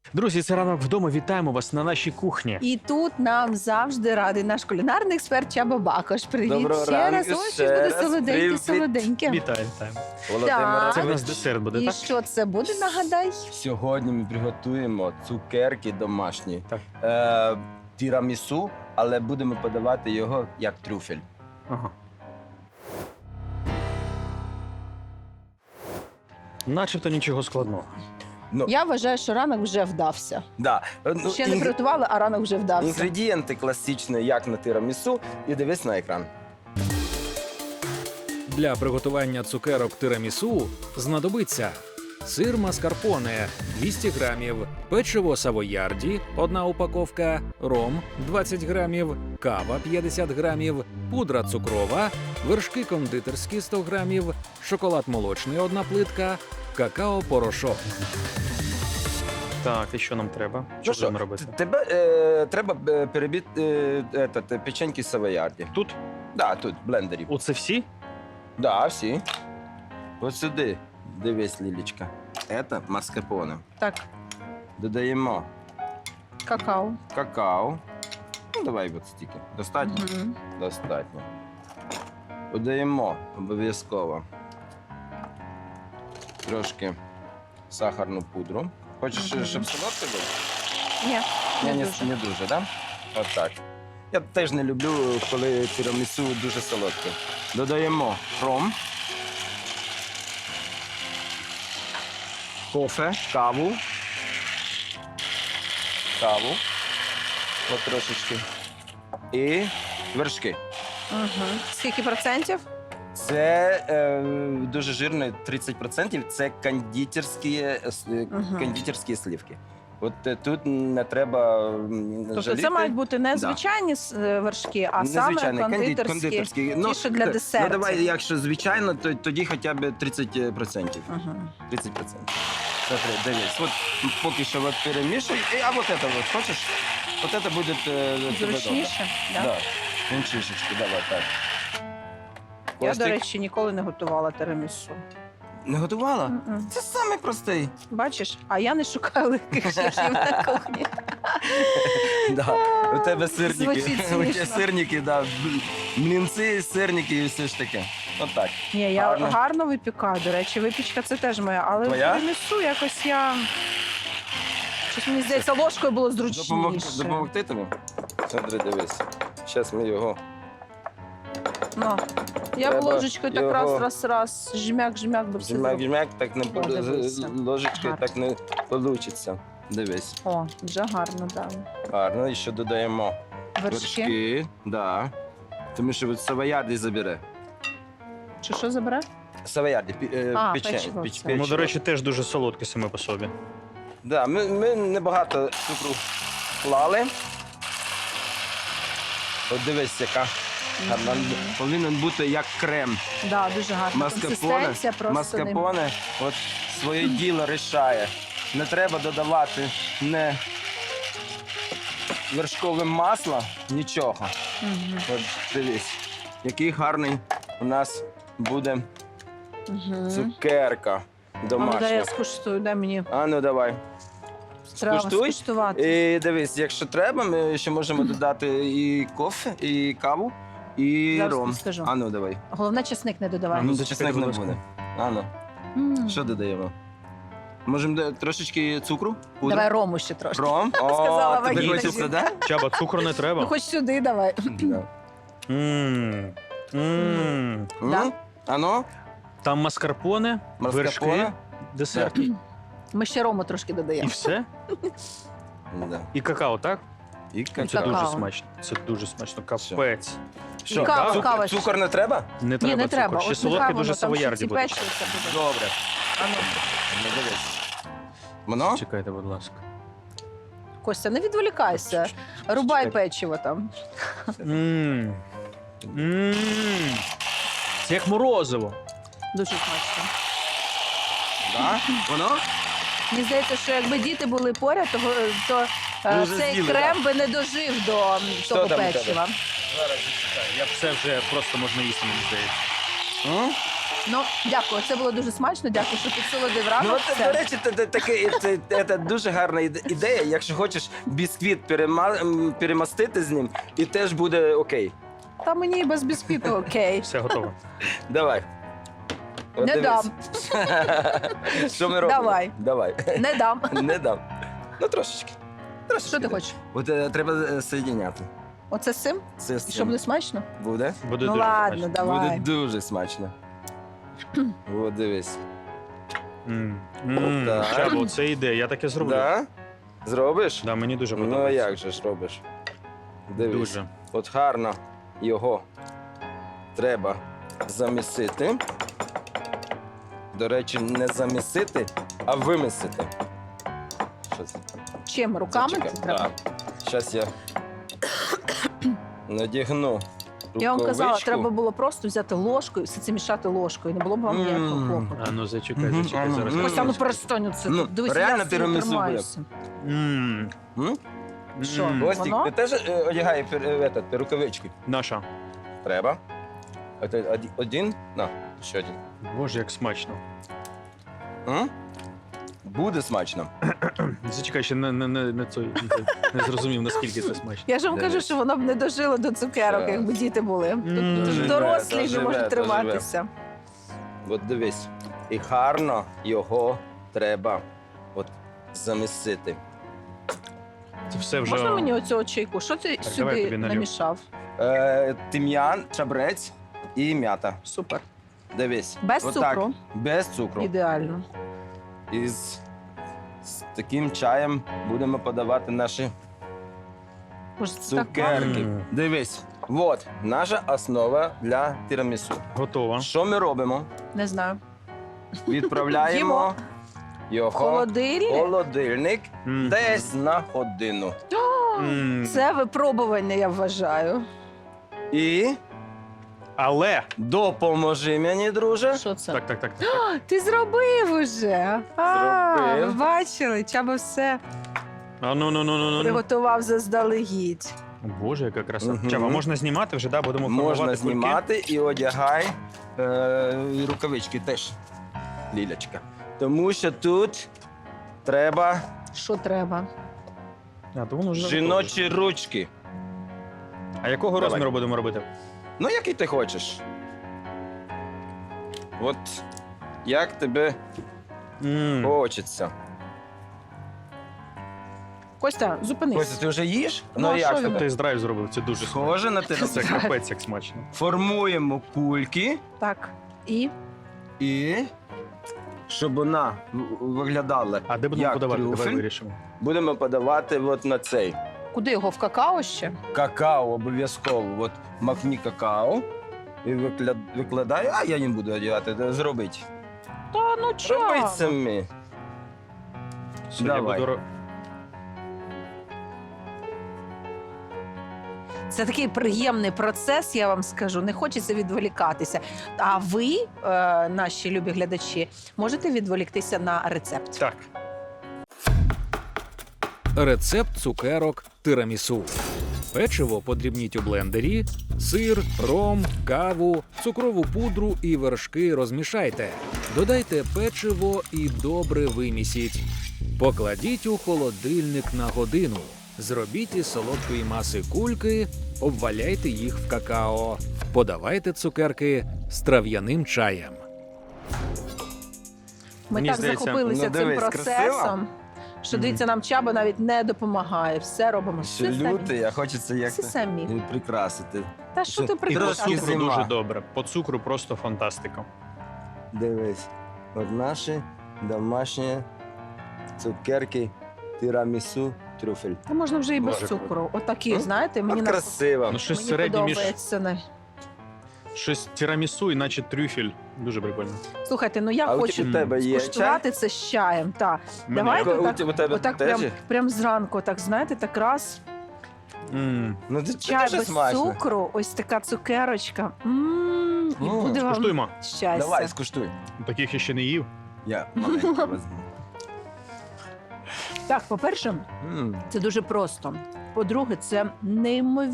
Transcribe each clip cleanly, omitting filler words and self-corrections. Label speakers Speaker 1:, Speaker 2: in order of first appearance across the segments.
Speaker 1: Друзі, це ранок вдома. Вітаємо вас на нашій кухні.
Speaker 2: І тут нам завжди радий наш кулінарний експерт Чаба Бакош. Привіт
Speaker 3: Доброго
Speaker 2: ще
Speaker 3: ранку,
Speaker 2: раз. Ось
Speaker 3: ще
Speaker 2: щось буде
Speaker 3: раз.
Speaker 2: солоденьке,
Speaker 3: Привіт.
Speaker 2: солоденьке.
Speaker 1: Вітаємо.
Speaker 3: Володимир,
Speaker 1: Це в
Speaker 2: Так.
Speaker 1: нас десерт буде,
Speaker 2: І
Speaker 1: так?
Speaker 2: що це буде, нагадай?
Speaker 3: Сьогодні ми приготуємо цукерки домашні.
Speaker 1: Так.
Speaker 3: Тірамісу, але будемо подавати його як трюфель.
Speaker 1: Ага. Начебто нічого складного.
Speaker 3: Ну,
Speaker 2: Я вважаю, що ранок вже вдався.
Speaker 3: да.
Speaker 2: Ще не приготували, а ранок вже вдався.
Speaker 3: Інгредієнти класичні, як на тірамісу, і дивись на екран.
Speaker 4: Для приготування цукерок тирамісу знадобиться сир маскарпоне 200 грамів, печиво савоярді 1 упаковка, ром 20 грамів, кава 50 грамів, пудра цукрова, вершки кондитерські 100 грамів, шоколад молочний 1 плитка, какао-порошок.
Speaker 1: Так, і що нам треба?
Speaker 3: Ну
Speaker 1: Що будемо робити?
Speaker 3: Тебе треба перебити печеньки савоярді.
Speaker 1: Тут?
Speaker 3: Да, тут, в блендері.
Speaker 1: Оце всі?
Speaker 3: Да, всі. Ось сюди. Дивись, Лілічка. Це маскарпоне.
Speaker 2: Так,
Speaker 3: Додаємо
Speaker 2: какао.
Speaker 3: какао. Ну, давай от стільки. Достатньо?
Speaker 2: Мгм.
Speaker 3: Достатньо. Додаємо обов'язково трошки сахарну пудру. Хочеш,
Speaker 2: Мгм.
Speaker 3: щоб солодке було?
Speaker 2: Ні, не
Speaker 3: Ні,
Speaker 2: дуже.
Speaker 3: не дуже, так? Да? Отак. Я теж не люблю, коли тірамісу дуже солодке. Додаємо ром, кофе, каву. От трошечки. І вершки.
Speaker 2: Мгм. Скільки процентів?
Speaker 3: Це дуже жирно, 30%. Це кондитерські слівки. От тут не треба
Speaker 2: Тобто
Speaker 3: жаліти.
Speaker 2: це мають бути не звичайні вершки, а саме
Speaker 3: Незвичайний,
Speaker 2: кондитерські.
Speaker 3: Ну,
Speaker 2: ті, що для десертів.
Speaker 3: Ну, давай, якщо звичайно, то тоді хоча б 30%.
Speaker 2: Мгм.
Speaker 3: 30%. Смотри, дивись. От поки що от перемішуй. А вот это вот, хочеш? Вот это буде тебе
Speaker 2: Зручніше?
Speaker 3: добре.
Speaker 2: Да?
Speaker 3: Да. Він чишечки, давай, так.
Speaker 2: Я,
Speaker 3: Костик,
Speaker 2: до речі, ніколи не готувала тирамісу.
Speaker 3: не готувала?
Speaker 2: Мгм.
Speaker 3: Це самий простий.
Speaker 2: Бачиш, а я не шукаю легких шляхів на кухні.
Speaker 3: Да. У тебе сирники.
Speaker 2: Звучить
Speaker 3: У тебе
Speaker 2: смішно.
Speaker 3: сирники, да. Млінці, сирники і все ж таке. Отак.
Speaker 2: Ні, я
Speaker 3: Гарно.
Speaker 2: гарно випікаю. До речі, випічка це теж моя, але
Speaker 3: Твоя?
Speaker 2: тирамісу якось я. Щось мені здається, ложкою було зручніше.
Speaker 3: Допомогти тобі? Смотри, дивись. Зараз ми його.
Speaker 2: Ну, я б
Speaker 3: Треба
Speaker 2: ложечкою так
Speaker 3: його-
Speaker 2: раз, жмяк, би все зробила.
Speaker 3: Жмяк, так не
Speaker 2: О, дивися.
Speaker 3: ложечкою
Speaker 2: Гарно.
Speaker 3: так не вийде. Дивись.
Speaker 2: О, вже гарно, так.
Speaker 3: Гарно, і ще додаємо
Speaker 2: Вершки.
Speaker 3: Да. Тому що от савоярді забере.
Speaker 2: Чи що забере?
Speaker 3: Савоярді,
Speaker 2: А,
Speaker 3: печень.
Speaker 2: печиво це.
Speaker 1: Ну, до речі, теж дуже солодкі саме по собі.
Speaker 3: Да, ми небагато цукру клали. От дивись, яка гарна. Повинен бути як крем.
Speaker 2: Да, дуже гарна консистенція, просто
Speaker 3: Маскарпоне от своє діло рішає. Не треба додавати не вершкове масло, нічого.
Speaker 2: Мгм.
Speaker 3: От дивись, який гарний у нас буде
Speaker 2: Мгм.
Speaker 3: цукерка
Speaker 2: А ну, дай
Speaker 3: домашня.
Speaker 2: я скуштую, дай мені.
Speaker 3: А ну давай.
Speaker 2: Треба
Speaker 3: Скуштуй.
Speaker 2: скуштувати.
Speaker 3: І дивись, якщо треба, ми ще можемо додати і кофе, і каву, і
Speaker 2: Зараз
Speaker 3: ром.
Speaker 2: скажу.
Speaker 3: А ну давай.
Speaker 2: Головне, чесник не додавай.
Speaker 3: А ну
Speaker 1: зачекайте,
Speaker 3: чесник не
Speaker 1: будь ласка.
Speaker 3: буде. А ну,
Speaker 2: М.
Speaker 3: що додаємо? Можемо трошечки цукру? Пудру?
Speaker 2: Давай рому ще трошки.
Speaker 3: Ром?
Speaker 2: Сказала
Speaker 3: О, тобі
Speaker 2: вагітна
Speaker 3: хочеться,
Speaker 2: жінка.
Speaker 3: да?
Speaker 1: Чаба, цукру не треба.
Speaker 2: Ну, хоч сюди давай.
Speaker 3: Да.
Speaker 1: М. М.
Speaker 2: Да.
Speaker 3: М? А ну,
Speaker 1: Там маскарпоне, вершки,
Speaker 3: маскарпоне.
Speaker 1: десерт.
Speaker 2: Ми ще рому трошки
Speaker 1: І
Speaker 2: додаємо.
Speaker 1: все?
Speaker 3: Да.
Speaker 1: І какао, так?
Speaker 3: І
Speaker 1: Це
Speaker 3: какао.
Speaker 1: дуже
Speaker 2: Какао.
Speaker 1: смачно. Це дуже смачно. Капець.
Speaker 3: Що,
Speaker 2: кава,
Speaker 3: цукор-
Speaker 2: кава ще.
Speaker 3: цукор не треба?
Speaker 1: Не
Speaker 2: Ні,
Speaker 1: треба
Speaker 2: не
Speaker 1: цукор.
Speaker 2: треба.
Speaker 1: Ще
Speaker 2: От
Speaker 1: солодке
Speaker 2: нехай
Speaker 1: дуже
Speaker 2: воно там ще
Speaker 1: савоярді
Speaker 2: ці
Speaker 1: буде.
Speaker 2: печивця буде.
Speaker 3: Добре.
Speaker 2: А ну.
Speaker 3: Ну, дивись. Воно?
Speaker 1: Чекайте, будь ласка.
Speaker 2: Костя, не відволікайся. Рубай печиво там.
Speaker 1: М. М. Це як морозиво.
Speaker 2: Дуже смачно.
Speaker 3: Да? Воно?
Speaker 2: Мені здається, що якби діти були поряд, то
Speaker 3: Ви вже
Speaker 2: цей
Speaker 3: з'їли,
Speaker 2: крем би не дожив до того
Speaker 3: там у тебе?
Speaker 2: печива.
Speaker 1: Зараз зачекаю. Я б це вже просто можна їсти, мені здається.
Speaker 3: М?
Speaker 2: Ну, дякую, це було дуже смачно. Дякую, що підсолодив
Speaker 3: Ну,
Speaker 2: ранок.
Speaker 3: от, до речі, це дуже гарна ідея. Якщо хочеш бісквіт перемастити з ним, і теж буде окей.
Speaker 2: Та мені і без бісквіту окей.
Speaker 1: Все готово.
Speaker 3: Давай. От
Speaker 2: Не
Speaker 3: дивись.
Speaker 2: дам.
Speaker 3: Що ми робимо?
Speaker 2: Давай.
Speaker 3: Давай.
Speaker 2: Не дам.
Speaker 3: Не дам. Ну, трошечки.
Speaker 2: Що ти хочеш?
Speaker 3: От треба соєдиняти.
Speaker 2: Оце з цим?
Speaker 3: Це з
Speaker 2: І що
Speaker 3: цим.
Speaker 2: буде смачно?
Speaker 3: Буде?
Speaker 1: Буде
Speaker 2: Ну
Speaker 1: дуже
Speaker 2: ладно,
Speaker 1: смачно.
Speaker 3: Буде
Speaker 2: давай.
Speaker 3: дуже смачно. От дивись.
Speaker 1: Так.
Speaker 3: Так.
Speaker 1: Чабо, це ідея, я таке зроблю.
Speaker 3: Да? Зробиш?
Speaker 1: Да, мені дуже
Speaker 3: Ну, а
Speaker 1: подобається.
Speaker 3: як же ж робиш? Дивись.
Speaker 1: Дуже.
Speaker 3: От гарно його треба замісити. До речі, не замісити, а вимісити. Що це?
Speaker 2: Чим? Руками
Speaker 3: Зачекай.
Speaker 2: це треба?
Speaker 3: Зараз я надягну
Speaker 2: Я вам казала,
Speaker 3: рукавичку.
Speaker 2: треба було просто взяти ложкою, все це мішати ложкою. Не було б вам ніякого
Speaker 3: Мм.
Speaker 2: клопоту.
Speaker 1: А ну зачекай,
Speaker 3: Мгм,
Speaker 1: зачекай
Speaker 3: а ну,
Speaker 1: зараз.
Speaker 3: мм.
Speaker 2: Ось, а ну перестань це.
Speaker 3: Ну,
Speaker 2: Дивись,
Speaker 3: реально
Speaker 2: я стою,
Speaker 3: тирамісу буде.
Speaker 2: тримаюся.
Speaker 1: М.
Speaker 3: М?
Speaker 2: Що?
Speaker 1: М.
Speaker 3: Костік,
Speaker 2: Воно?
Speaker 3: ти теж одягай рукавички?
Speaker 1: Наша.
Speaker 3: Треба. Один? На, ще один.
Speaker 1: Боже, як смачно.
Speaker 3: М? Буде смачно.
Speaker 1: Зачекай, ще не зрозумів, наскільки це смачно.
Speaker 2: Я ж вам кажу,
Speaker 3: Дивись.
Speaker 2: що воно б не дожило до цукерок,
Speaker 3: Що?
Speaker 2: якби діти були. Тут
Speaker 1: Доживе,
Speaker 2: дорослі вже
Speaker 3: доживе,
Speaker 2: можуть
Speaker 3: доживе.
Speaker 2: триматися.
Speaker 3: От дивись. І гарно його треба от замісити.
Speaker 1: Це все вже...
Speaker 2: Можна мені оцього чайку? Що ти
Speaker 1: Так, давай я
Speaker 2: сюди
Speaker 1: тобі налью.
Speaker 2: намішав?
Speaker 3: Тим'ян, чабрець і м'ята.
Speaker 2: Супер.
Speaker 3: Дивись.
Speaker 2: Без
Speaker 3: Отак.
Speaker 2: цукру?
Speaker 3: Без цукру.
Speaker 2: Ідеально.
Speaker 3: І з таким чаєм будемо подавати наші
Speaker 2: Боже, це так
Speaker 3: цукерки.
Speaker 1: Мм.
Speaker 3: Дивись. От наша основа для тірамісу.
Speaker 1: Готово.
Speaker 3: Що ми робимо?
Speaker 2: не знаю.
Speaker 3: Відправляємо
Speaker 2: Їмо.
Speaker 3: його в
Speaker 2: Холодильник?
Speaker 3: холодильник
Speaker 1: Мм.
Speaker 3: десь на годину.
Speaker 1: Мм.
Speaker 2: Це випробування, я вважаю.
Speaker 3: І
Speaker 1: Але...
Speaker 3: допоможи мені, друже.
Speaker 2: Що це?
Speaker 1: Так.
Speaker 2: Ти зробив уже.
Speaker 3: Зробив.
Speaker 2: Ви бачили, Чаба все
Speaker 1: А ну.
Speaker 2: приготував заздалегідь.
Speaker 1: О, Боже, яка краса.
Speaker 3: Мгм.
Speaker 1: Чаба, можна знімати вже, да? Будемо формувати
Speaker 3: Можна
Speaker 1: кульки?
Speaker 3: знімати і одягай і рукавички теж, Лілячка. Тому що тут треба
Speaker 2: Що треба?
Speaker 1: А, то воно вже
Speaker 3: жіночі ручки.
Speaker 1: готове. А якого
Speaker 3: Давай.
Speaker 1: розміру будемо робити?
Speaker 3: Ну, який ти хочеш. От як тебе
Speaker 1: Мм.
Speaker 3: хочеться.
Speaker 2: Костя, зупинись.
Speaker 3: Ось ти вже їш?
Speaker 2: Ну, а
Speaker 3: як
Speaker 2: що
Speaker 3: тебе?
Speaker 1: Тест-драйв зробив, це дуже смачно.
Speaker 3: Схоже на
Speaker 1: Це
Speaker 3: тебе.
Speaker 1: капець як смачно.
Speaker 3: Формуємо кульки
Speaker 2: Так. І
Speaker 3: і щоб вона виглядала
Speaker 1: А де будемо
Speaker 3: як
Speaker 1: подавати? Давай
Speaker 3: трюфель,
Speaker 1: вирішимо.
Speaker 3: будемо подавати от на цей.
Speaker 2: куди його? В какао ще?
Speaker 3: Какао обов'язково. От макні какао і викладаю, а я не буду одягати, зробить.
Speaker 2: Та ну чого?
Speaker 3: Робить самі.
Speaker 1: Все,
Speaker 3: Давай.
Speaker 1: я буду...
Speaker 2: Це такий приємний процес, я вам скажу. Не хочеться відволікатися. А ви, наші любі глядачі, можете відволіктися на рецепт.
Speaker 1: Так.
Speaker 4: Рецепт цукерок тирамісу. Печиво подрібніть у блендері, сир, ром, каву, цукрову пудру і вершки розмішайте. Додайте печиво і добре вимісіть. Покладіть у холодильник на годину. Зробіть із солодкої маси кульки, обваляйте їх в какао. Подавайте цукерки з трав'яним чаєм.
Speaker 2: Ми
Speaker 1: Мені
Speaker 2: так
Speaker 1: здається,
Speaker 2: захопилися
Speaker 3: ну,
Speaker 2: цим
Speaker 3: дивись,
Speaker 2: процесом,
Speaker 3: красиво?
Speaker 2: що дивіться, нам Чаба навіть не допомагає. Все робимо.
Speaker 3: Ще
Speaker 2: Все
Speaker 3: лютий,
Speaker 2: самі.
Speaker 3: а хочеться як
Speaker 2: Все самі.
Speaker 3: прикрасити.
Speaker 2: Та що ти
Speaker 1: І по
Speaker 3: Трошки
Speaker 1: цукру
Speaker 2: прикрашаєш?
Speaker 3: зима.
Speaker 1: дуже добре. По цукру просто фантастика.
Speaker 3: Дивись, от наші домашні цукерки тірамісу трюфель.
Speaker 2: Та можна вже і без
Speaker 3: Боже,
Speaker 2: цукру. Отакі,
Speaker 3: М?
Speaker 2: знаєте, мені,
Speaker 3: От красиво.
Speaker 1: Ну, щось
Speaker 2: мені
Speaker 1: середнє між
Speaker 2: подобається.
Speaker 1: щось тірамісу, іначе трюфель. Дуже прикольно.
Speaker 2: Слухайте, ну я
Speaker 3: А
Speaker 2: хочу
Speaker 3: у тебе є чай?
Speaker 2: скуштувати це з чаєм. Так.
Speaker 1: Мене-
Speaker 2: Давайте
Speaker 3: У тебе
Speaker 2: Отак
Speaker 3: теж є?
Speaker 2: прям зранку, так знаєте, так раз.
Speaker 1: Мм.
Speaker 3: Ну, це
Speaker 2: Чай
Speaker 3: дуже
Speaker 2: без
Speaker 3: смачно.
Speaker 2: цукру, ось така цукерочка. І буде вам
Speaker 1: Скуштуємо.
Speaker 2: щастя.
Speaker 3: Давай, скуштуй.
Speaker 1: Таких я ще не їв.
Speaker 3: Я маленько візьму.
Speaker 2: Так, по-перше, це дуже просто. По-друге, це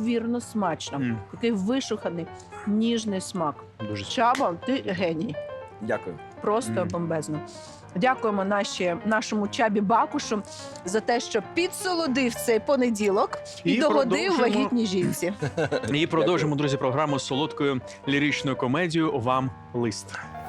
Speaker 2: неймовірно смачно.
Speaker 1: Мм.
Speaker 2: Такий вишуканий, ніжний смак.
Speaker 1: Дуже
Speaker 2: Чаба, ти геній.
Speaker 3: Дякую.
Speaker 2: Просто
Speaker 1: Мгм.
Speaker 2: бомбезно. Дякуємо нашому Чабі Бакушу за те, що підсолодив цей понеділок і,
Speaker 1: І
Speaker 2: догодив
Speaker 1: продовжимо.
Speaker 2: вагітній жінці.
Speaker 1: І продовжимо, друзі, програму з солодкою ліричною комедією «Вам лист».